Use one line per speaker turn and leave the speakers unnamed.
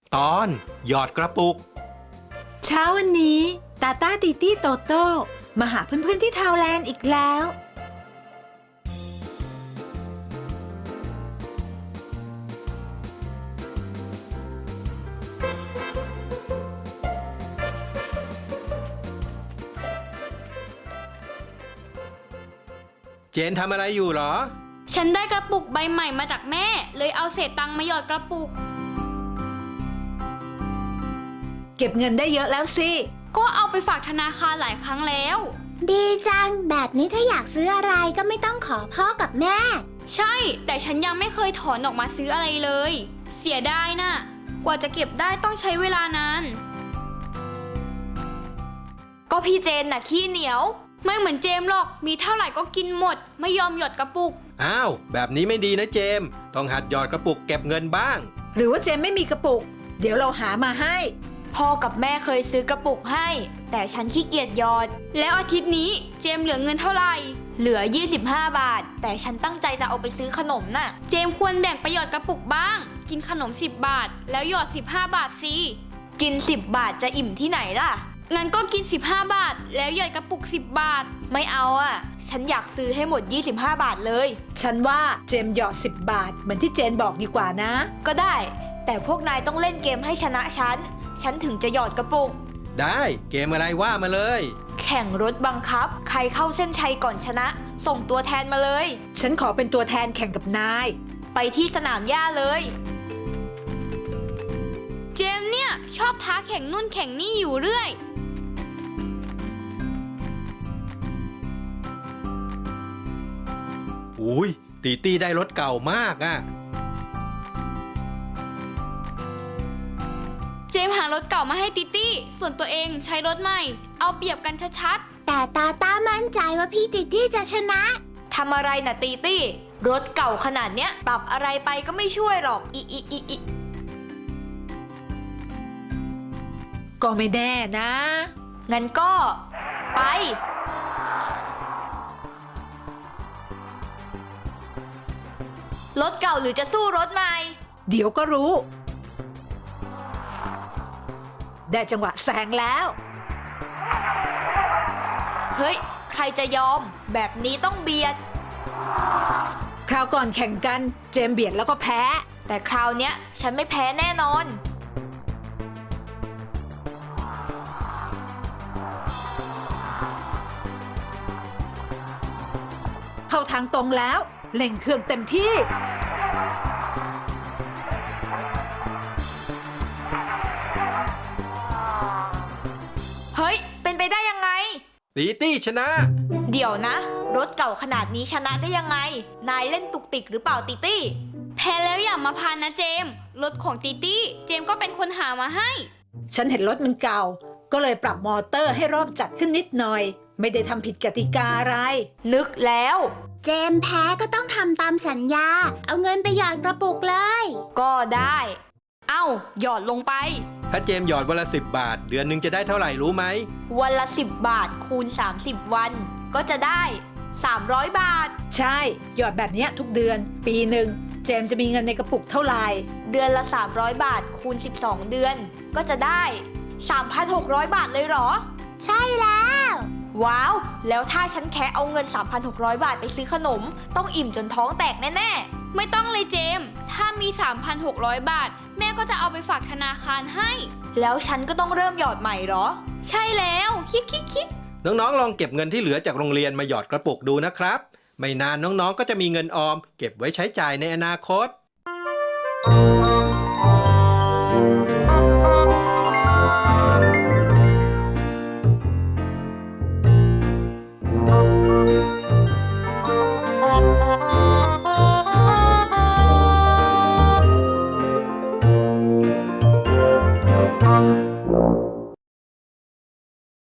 ตอนหยอดกระปุก
เช้าวันนี้ตาต้าติตี้โตโต้มาหาเพื่อนๆที่ทาวแลนด์อีกแล้ว
เจนทำอะไรอยู่หรอ
ฉันได้กระปุกใบใหม่มาจากแม่เลยเอาเศษตังค์มาหยอดกระปุก
เก็บเงินได้เยอะแล้วสิ
ก็เอาไปฝากธนาคารหลายครั้งแล้ว
ดีจังแบบนี้ถ้าอยากซื้ออะไรก็ไม่ต้องขอพ่อกับแม่
ใช่แต่ฉันยังไม่เคยถอนออกมาซื้ออะไรเลยเสียดายน่ะกว่าจะเก็บได้ต้องใช้เวลานานก็พี่เจนน่ะขี้เหนียวไม่เหมือนเจมหรอกมีเท่าไหร่ก็กินหมดไม่ยอมหยอดกระปุก
อ้าวแบบนี้ไม่ดีนะเจมต้องหัดหยอดกระปุกเก็บเงินบ้าง
หรือว่าเจมไม่มีกระปุกเดี๋ยวเราหามาให้
พ่อกับแม่เคยซื้อกระปุกให้แต่ฉันขี้เกียจหยอดแล้วอาทิตย์นี้เจมเหลือเงินเท่าไหร่เหลือ25 บาทแต่ฉันตั้งใจจะเอาไปซื้อขนมน่ะเจมควรแบ่งไปหยอดกระปุกบ้างกินขนม10 บาทแล้วหยอด15 บาทสิกิน10 บาทจะอิ่มที่ไหนล่ะงั้นก็กิน15 บาทแล้วหยอดกระปุก10 บาทไม่เอาอ่ะฉันอยากซื้อให้หมด25 บาทเลย
ฉันว่าเจมหยอด10 บาทเหมือนที่เจนบอกดีกว่านะ
ก็ได้แต่พวกนายต้องเล่นเกมให้ชนะฉันถึงจะหยอดกระปุก
ได้เกมอะไรว่ามาเลย
แข่งรถบังคับใครเข้าเส้นชัยก่อนชนะส่งตัวแทนมาเลย
ฉันขอเป็นตัวแทนแข่งกับนาย
ไปที่สนามหญ้าเลยเจมเนี่ยชอบท้าแข่งนู่นแข่งนี่อยู่เรื่อย
อุ้ยตีตี้ได้รถเก่ามากอ่ะ
เจมหารถเก่ามาให้ติตี้ส่วนตัวเองใช้รถใหม่เอาเปรียบกันชัด
ๆแต่ตาต้ามั่นใจว่าพี่ติตี้จะชนะ
ทำอะไรน่ะติตี้รถเก่าขนาดเนี้ยปรับอะไรไปก็ไม่ช่วยหรอก
ก็ไม่แน่นะ
งั้นก็ไปรถเก่าหรือจะสู้รถใหม่
เดี๋ยวก็รู้ได้จังหวะแซงแล้ว
เฮ้ยใครจะยอมแบบนี้ต้องเบียด
คราวก่อนแข่งกันเจมเบียดแล้วก็แพ้
แต่คราวเนี้ยฉันไม่แพ้แน่นอน
เข้าทางตรงแล้วเร่งเครื่องเต็มที่
เฮ้ยเป็นไปได้ยังไง
ตีตี้ชนะ
เดี๋ยวนะรถเก่าขนาดนี้ชนะได้ยังไงนายเล่นตุกติกหรือเปล่าตีตี้แพ้แล้วอย่ามาพานนะเจมรถของตีตี้เจมก็เป็นคนหามาให้
ฉันเห็นรถมันเก่าก็เลยปรับมอเตอร์ให้รอบจัดขึ้นนิดหน่อยไม่ได้ทำผิดกติกาอะไร
นึกแล้ว
เจมแพ้ก็ต้องทำตามสัญญาเอาเงินไปหยอดกระปุกเลย
ก็ได้เอ้าหยอดลงไป
ถ้าเจมหยอดวันละ10 บาทเดือนหนึ่งจะได้เท่าไหร่รู้ไหม
วันละ10 บาทคูณ30 วันก็จะได้300 บาท
ใช่หยอดแบบนี้ทุกเดือนปีหนึ่งเจมจะมีเงินในกระปุกเท่าไหร่
เดือนละ300 บาทคูณ12 เดือนก็จะได้ 3,600 บาทเลยเหรอ
ใช่แล้ว
ว้าวแล้วถ้าฉันแค่เอาเงิน 3,600 บาทไปซื้อขนมต้องอิ่มจนท้องแตกแน่ๆไม่ต้องเลยเจมถ้ามี 3,600 บาทแม่ก็จะเอาไปฝากธนาคารให้แล้วฉันก็ต้องเริ่มหยอดใหม่เหรอใช่แล้วคิด
น้องๆลองเก็บเงินที่เหลือจากโรงเรียนมาหยอดกระปุกดูนะครับไม่นานน้องๆก็จะมีเงินออมเก็บไว้ใช้จ่ายในอนาคต